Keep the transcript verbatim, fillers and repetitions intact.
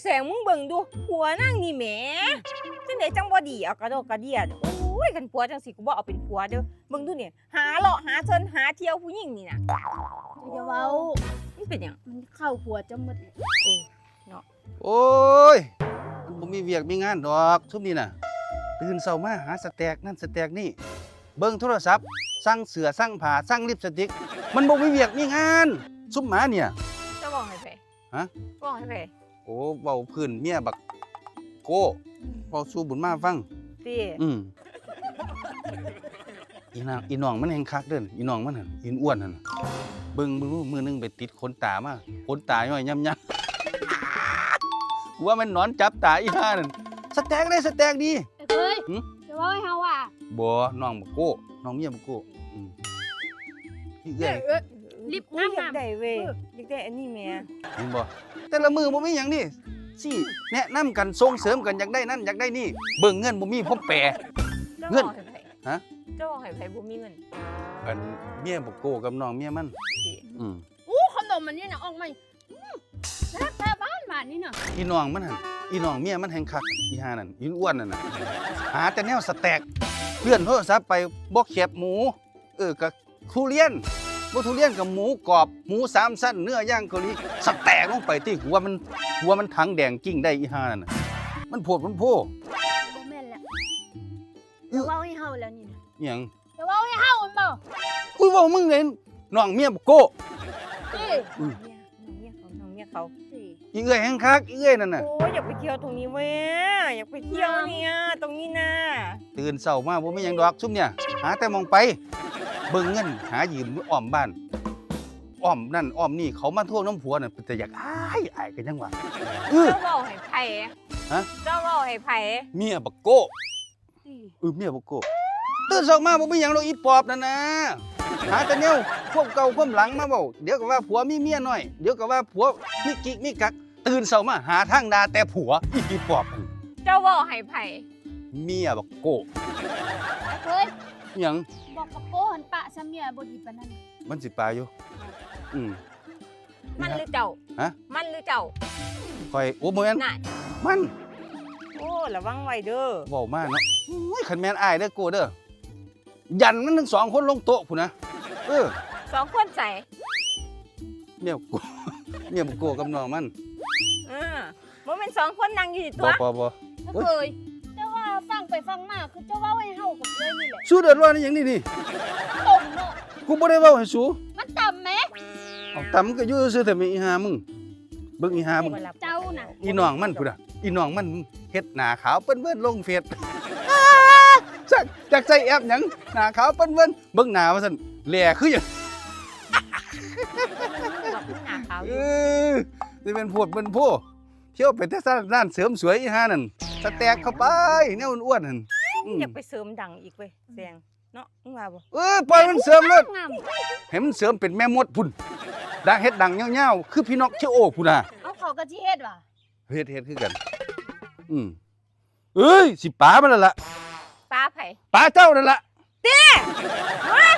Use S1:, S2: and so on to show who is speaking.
S1: แสงมึงเบิ่งดูผัวนั่งนี่แหมจังไดจังบ่ดีเอากระโดดกระเดียดโอ้ยกันผัวจังสิกูบ่เอาเป็นผัวเด้อเบิ่งดูเนี่ยหาเลาะหาเชิญหาเที่ยวผู้หญิงนี่น่ะ
S2: อย่าเว้า
S1: มันเป็นหยัง
S2: มันเข้าหัวจะหมด
S3: โอ้ยมันบ่มีเวียกมีงานดอกทุกนี่น่ะตื่นเช้ามาหาสแต็กนั่นสแต็กนี่เบิ่งโทรศัพท์สั่งเสื้อสั่งผ้าสั่งลิปสติกมันบ่มีเวียกมีงานซุมหมาเนี่ย
S1: จะบอกให้ไผ
S3: ฮะ
S1: บอกให้ไผ
S3: โอ้เว้าพื้นเมียบักโก้เว้าสู่บุญมาฟัง
S1: ติ
S3: อืมอีนางอีน้องมันแห่งคักเด้ออีน้องมันหั่นอีอ้วนหั่นน่ะเบิ่งมือมือนึงไปติดขนตามาขนตาย่อยย่ำๆกูว่ามันนอนจับตาอีห่านั่นสแต็กได้สแต็กดี
S2: ไอ้เคย
S3: หึ
S2: จะเว้าให้เฮาว่า
S3: บ่น้องบักโก้น้องเมียบักโก้อืมอีเอ้ย
S2: เอ้ย รีบ
S1: อุ้ย
S2: งามๆ
S1: อยากได้เว้ยอยากได้อันนี้แหม่
S3: เห็นบ่แต่ละมือบ่มีหยังนี่สิแนะนำกันส่งเสริมกันอยากได้นั่นอยากได้นี่เบิ่งเงินบ่มีพบแปร
S1: จะ
S3: เงิ
S1: บ
S3: น
S1: อกให้ไผ
S3: ฮะ
S1: จะบอกให้ไผบ่มีเงิน
S3: อันเมียบักโก้กับน้องเมียมัน
S1: ติ
S3: อืม
S2: อู้ขนมมันนี่น่ะออกมาอื้อแซ่บแท้บ้านบ้านนี่น่ะ
S3: อีน้องมันหั่นอีน้องเมียมันแห่งคักอีห่านั่นอีอ้วนนั่นน่ะหาแต่แนวสแต็กเลื่อนโทรศัพท์ไปบ่แคบหมู เออก็ทุเรียนบ่ทุเรียนกับหมูกรอบหมูสามชั้นเนื้อย่างเกาหลีสแต็กลงไปติหัวมันหัวมันถังแดงกิ้งได้อีห่านั่นน่ะมันโพดมันโพ
S2: บ่แม่นแล้วจะเว้าให้เฮาแล้วนี่น่ะ
S3: อิหยัง
S2: จะเว้าให้เฮามันบ่
S3: อุ้ยเว่ามึงเลยน้องเมียบักโก้
S2: สิ
S3: อืม
S1: เนี่ยน้องเมียเขาน้องเมียเขา
S2: สิ
S3: อีเอ้ยแห่งคักอีเอ้ยนั่นน่ะ
S1: โอ้ยอยากไปเที่ยวตรงนี้เว้ยอยากไปเที่ยวเนี่ยตรงนี้นะ
S3: ตื่นเช้ามาบ่มีหยังดอกซุมเนี่ยหาแต่มองไป เบิ่งเงินหายืมอ้อมบ้านอ้อมนั่นอ้อมนี่เขามาทวงน้ำผัวน่ะแต่อยากอายอายกันจังหวะเออ
S1: เจ้าบอกให้ไผ่
S3: ฮะ
S1: เจ้าบอกให้ไผ่
S3: เมียบักโก้
S2: สิ
S3: เออเมียบักโก้ตื่นเช้ามาบ่มีหยังดอกอีปอบนั่นนะหาแต่แนวความเก่าความหลังมาเว้าเดี๋ยวก็ว่าผัวมีเมียน้อยเดี๋ยวก็ว่าผัวมีกิ๊กมีกักตื่นเช้ามาหาทางด่าแต่ผัวอีปอบนั่น
S1: เจ้าบอกให้ไผ่
S3: เมียบักโก้
S2: ไอ้เคย
S3: หยัง
S2: บอกกับโก้หันปะซะเมียบ่ดีปานนั้นน่ะ
S3: มันสิปลาอยู่ อืม
S1: มันหรือเจ้า
S3: ฮะ
S1: มันหรือเจ้า
S3: คอยโอ้โมแมน
S1: น่ะ
S3: มัน
S1: โอ้ระวังไว้เด้อ
S3: เว้ามากเนาะอุ้ยขันแมนอายเด้อโกเด้อ ยันมันทั้งสองคนลงโต๊ะพุ่นนะ เออ
S1: สองคนใส่
S3: เมียโก เมียโกกับน้องมัน
S1: เออมันเป็นสองคนนั่งอยู่ที่ตั
S3: บ่
S1: ว
S3: บ่บ่
S2: ไอ้เคยแต่ว่าฟังไปฟังมาคือจะเว้าให้เฮากับเลยนี่แหละ
S3: สู้เดือดร้อนอหย่างนี้นี่
S2: ตรงเนาะ
S3: กูบ่ได้เว้าให้สู้
S2: มันต่ำแหม
S3: เอาตำก็อยู่ซื่อๆแต่มีอีหามึง เบิ่งอีหามึง
S2: เจ้าน่ะ
S3: อีน้องมันพุ่นน่ะอีน้องมันเฮ็ดหน้าขาวเปิ้นๆลงเฟซ จักจักใส่แอปหยังหน้าขาวเปิ้นๆเบิ่งหน้าว่าซั่นแหล่คือหยัง
S1: บอกมึงหนาขาวอ
S3: เอยู่ อสิเป็นพวดเป็นผู้เที่ยวไปแต่ร้านเสริมสวยอีห่านั่นสแต็กเข้าไปแนวอ้วนๆนั่นอืม
S1: อยากไปเสริมดังอีกเว้ยแซงเนาะมึงว่าบ่
S3: เออปล่อยมันเสริมเลย
S2: งาม
S3: ให้มันเสริมเป็นแม่มดพุ่นดังเฮ็ดดังยาวๆคือพี่นกเชโอพุ่นน่ะ
S2: เอาเขาก็สิเฮ็ดว่ะ
S3: เฮ็ดเฮ็ดคือกัน อืมเอ้ยสิป๋ามันนั่นล่ะ
S1: ป้าไผ่
S3: ป๋าเจ้านั่นล่ะ
S1: เฮ้ย